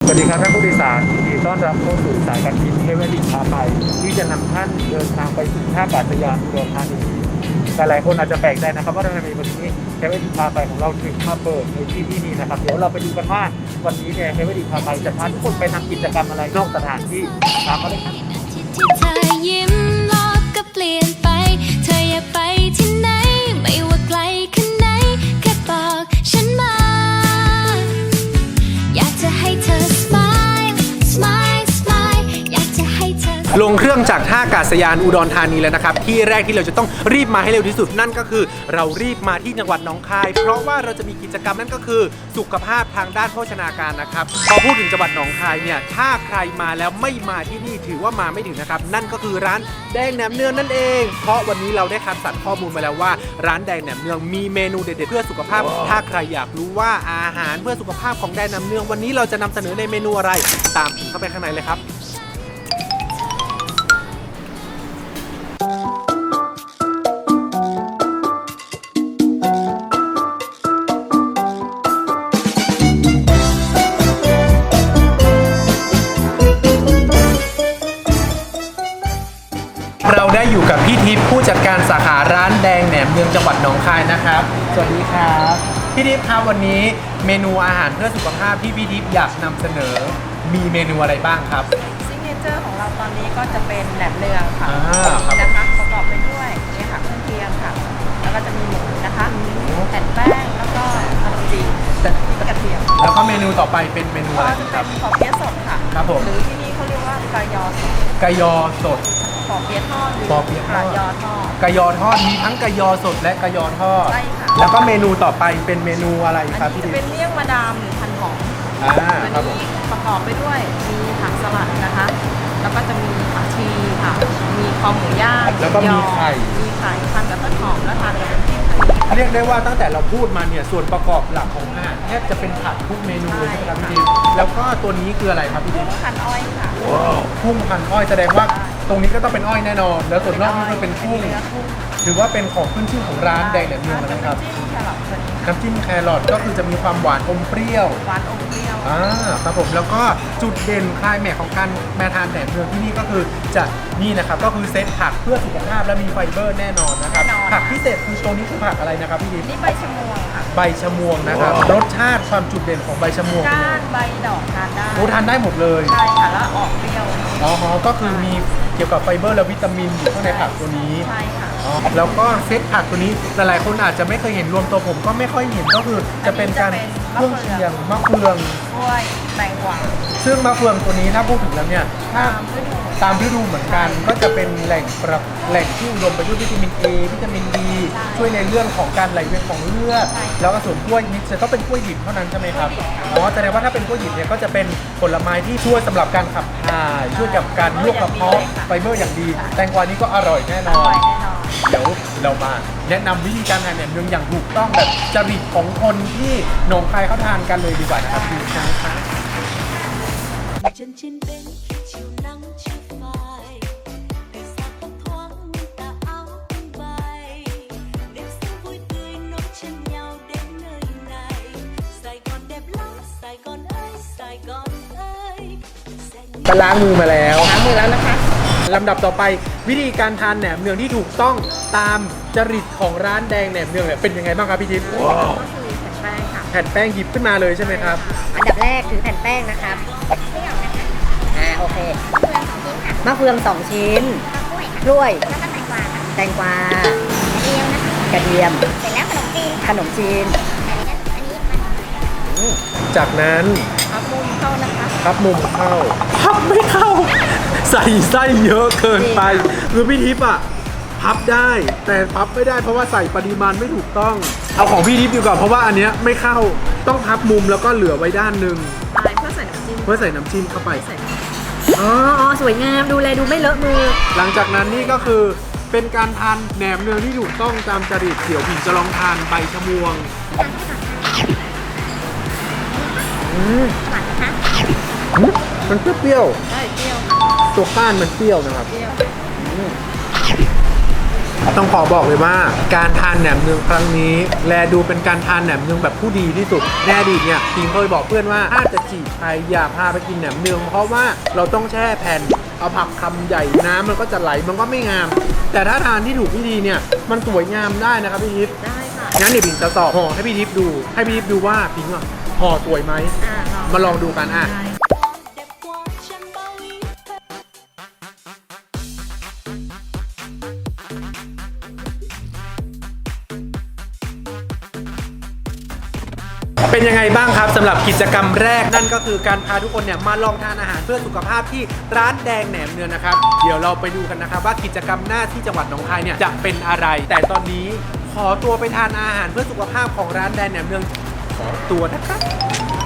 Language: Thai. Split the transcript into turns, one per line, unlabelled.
วัสดีครับท่านผู้โดยสารยินดีต้อนรับเข้าสู่สายการบินเทเวลิพาไปที่จะนำท่านเดินทางไปสู่ท่าอากาศยานอุดรธานีแต่หลายคนอาจจะแปลกใจนะครับว่าทำไมวันนี้เทเวลิพาไปของเราถึงมาเปิดในที่นี้นะครับเดี๋ยวเราไปดูกันว่าวันนี้เนี่ยเทเวลิพาไปจะพาทุกคนไปทำกิจกรรมอะไรนอกสถานที่ตามมาเลยครับ
ที่เธอยิ้มโลกก็เปลี่ยนไปเธออยากไปที่ไหนไม่ว่าไกลแค่ไหนแค่บอกฉันมาอยากจะให้เธอ smile smile smile อยากจะให้เธอ
ลงเครื่องจากท่าอากาศยานอุดรธานีแล้วนะครับที่แรกที่เราจะต้องรีบมาให้เร็วที่สุดนั่นก็คือเรารีบมาที่จังหวัดหนองคายเพราะว่าเราจะมีกิจกรรมนั่นก็คือสุขภาพทางด้านโภชนาการนะครับพอพูดถึงจังหวัดหนองคายเนี่ยถ้าใครมาแล้วไม่มาที่นี่ถือว่ามาไม่ถึงนะครับนั่นก็คือร้านแดงแหนมเนืองนั่นเองเพราะวันนี้เราได้คัดสรรข้อมูลมาแล้วว่าร้านแดงแหนมเนืองมีเมนูเด็ดๆเพื่อสุขภาพถ้าใครอยากรู้ว่าอาหารเพื่อสุขภาพของแดงแหนมเนืองวันนี้เราจะนำเสนอในเมนูอะไรตามเข้าไปข้างในเลยครับเราได้อยู่กับพี่ทิพย์ผู้จัดการสาขาร้านแดงแหนมเนืองจังหวัดหนองคายนะครับสวัสดีครับพี่ทิพย์ครับวันนี้เมนูอาหารเพื่อสุขภาพที่พี่ทิพย์อยากนำเสนอมีเมนูอะไรบ้างครับ
ซิกเนเจอร์ของเราตอนนี้ก็จะเป็นแหนมเนืองค่ะ
ครับ
นะคะประกอบไปด้วยเนี่ยค่ะเครื่องเคียงค่ะแล้วก็จะมีหมูนะคะแผ่นแป้งแล้วก็ขนมจีนพริกกระเทียม
แล้วก็เมนูต่อไปเป็นเมนูอะไร
ก็จะ
ค
เป็
รับ
นขอเปี๊ยะสดค่ะ
ครับผม
หรือที่นี่เขาเรียกว่ากายอสด
กะยอสด
ขอเปี๊ยะทอดหรือ
ขอเปี๊ยะทอด
กายอทอด
กะยอทอดมีทั้งกะยอสดและกะยอทอด
ใช่ค่ะ
แล้วก็เมนูต่อไปเป็นเมนูอะไร
อัน
ครับ
นี้
พี่
จะ
ทิพ
เป็น
ย์
เมี่ยงมาดามหรือพันหอม
ครับผม
นี้ประกอบไปด้วยมีผักสลัดนะคะ แล้วก็จะมีผักชีค่ะมีคอหมูย่าง
แล้วก็มีไข่
มีไข่ทานกับต้นหอมแล้วทานกับน้ำจิ้มไข่
เรียกได้ว่าตั้งแต่เราพูดมาเนี่ยส่วนประกอบหลักของอาหารแทบจะเป็นผักทุกเมนูเลยใช่ไหมครับพี่ทิพย์แล้วก็ตัวนี้คืออะไรครับพี่ทิพย์
พันอ้อยค่ะ
กุ้งพันอ้อยแสดงว่าตรงนี้ก็ต้องเป็นอ้อยแน่นอน แล้วส่วนนอกนี่ก็เป็นกุ้ง
เนื้อกุ้ง
ถือว่าเป็นของขึ้นชื่อของร้านแดงแหนมเนืองนะครับ
น้ำจิ้มแครอทตัวนี้
น้ำจิ้มแครอทก็คือจะมีความหวานอมเปรี้ยว
หวานอมเปรี้ยว
ครับผมแล้วก็จุดเด่นคลายแม็กของการมาทานแหนมเนืองที่นี่ก็คือจะนี่นะครับก็คือเซตผักเพื่อสุขภาพและมีไฟเบอร์แน่นอนนะครับผักพิเศษคือตัวนี้คือผักอะไรนะครับพี่ดิบ
นี่ใบชะมวงค่ะ
ใบชะมวงนะครับรสชาติความจุดเด่นของใบชะมวง
ก้านใบดอกทานได้
โอ้ทานได้หมดเลย
ใช่ค่ะแล้วออกเปรี้ยว
อ๋อก็คือมีเกี่ยวกับไฟเบอร์และวิตามินอยู่ข้างในผักตัวนี้
ใช่ค่ะ
แล้วก็เซตผักตัวนี้หลายๆคนอาจจะไม่เคยเห็นรวมตัวผมก็ไม่ค่อยเห็นก็คือจะเป็นการเครื่องเคียงมะเฟือง
กล้วยแตงกวา
ซึ่งมะเฟืองตัวนี้ถ้าพูดถึงแล้วเนี่ยถ้าตามฤดูเหมือนกันก็จะเป็นแหล่งที่อุดมไปด้วยวิตามิน A วิตามิน D ช่วยในเรื่องของการไหลเวียนของเลือดแล้วก็ส่วนกล้วยนี่จะต้องเป็นกล้วยดิบเท่านั้นใช่ไหมครับอ๋อแสดงว่าถ้าเป็นกล้วยดิบเนี่ยก็จะเป็นผลไม้ที่ช่วยสำหรับการขับถ่ายช่วยกับการลวกกระเพาะไฟเบอร์อย่างดีแตงกวานี้ก็อร่อยแน่น
อ
อน
ร่อยแน่นอน
เดี๋ยวเรามาแนะนำวิธีการทานแหนมเนืองอย่างถูกต้องแบบจริตของคนที่หนองคายเขาทานกันเลยดีกว่านะครับพี่นะครับ
chân trên bên khi chiều nắng chưa phai đời xa thấp thoáng tà áo tung bay đêm sương vui tươi nối chân nhau đến nơi này Sài Gòn đẹp lắm Sài Gòn ơi Sài Gòn ơi
ไปล้างมือมาแล้ว
ล้างมือแล้วนะคะ
ลำดับต่อไปวิธีการทานแหนมเนืองที่ถูกต้องตามจริตของร้านแดงแหนมเนืองเนี่ยเป็นยังไงบ้างครับพี่ทิพย์
ก็คือแผ่นแป้งค่ะ
แผ่นแป้งหยิบขึ้นมาเลยใช่ไหมครับ
อันดับแรกถือแผ่นแป้งนะครับโอเคมะเฟือง2 ชิ้นกล้วย
แล้วก็แตงกวาค่ะ
แตงกวาก
ระเทียมนะคะ
กระเทียม
เสร็จแล้วขนมจีน
ขนมจีน
อันนี้มัน
จากนั้น
พับมุมเข้านะคะ
พับมุมเข้าพับไม่เข้า ใส่ไส้เยอะเกินไปคือพี่ทิพย์อะพับได้แต่พับไม่ได้เพราะว่าใส่ปริมาณไม่ถูกต้องเอาของพี่ทิพย์ดีกว่าเพราะว่าอันเนี้ยไม่เข้าต้องพับมุมแล้วก็เหลือไว้ด้านหนึ่ง
อะไรเพื่อใส่น้ำจิ้ม
เพื่อใส่น้ำจิ้มเข้าไป
ใส่
อ๋อสวยงามดูเลยดูไม่เลอะมือ
หลังจากนั้นนี่ก็คือเป็นการทานแหนมเนืองที่ถูกต้องตามจริตเดี๋ยวผิงจะลองทานใบชะมวง
หวานนะคะ
มันเปรี้ยว
ได้เปรี้ยว
ๆตัวก้านมันเปรี้ยวนะครับ
เปรี้ยว
ต้องขอบอกเลยว่าการทานแหนมเนืองครั้งนี้ แลดูเป็นการทานแหนมเนืองแบบผู้ดีที่สุดในอดีตเนี่ยพิงเคยบอกเพื่อนว่าถ้าจะจีบใครอย่าพาไปกินแหนมเนืองเพราะว่าเราต้องแช่แผ่นเอาผักคำใหญ่น้ำมันก็จะไหลมันก็ไม่งาม แต่ถ้าทานที่ถูกวิธีเนี่ยมันสวยงามได้นะครับพี่ทิพย์
ได้ค่ะ
งั้นเดี๋ยวพิงจะสอบห่อให้พี่ทิพย์ดูให้พี่ทิพย์ดูว่าพิงอ่ะห่อสวยไหมมาลองดูกันอ่ะ
đẹp qua trăm bao ý thơ
เป็นยังไงบ้างครับสำหรับกิจกรรมแรกนั่นก็คือการพาทุกคนเนี่ยมาลองทานอาหารเพื่อสุขภาพที่ร้านแดงแหนมเนืองนะครับเดี๋ยวเราไปดูกันนะครับว่ากิจกรรมหน้าที่จังหวัดหนองคายเนี่ยจะเป็นอะไร แต่ตอนนี้ขอตัวไปทานอาหารเพื่อสุขภาพของร้านแดงแหนมเนืองขอตัวนะครับ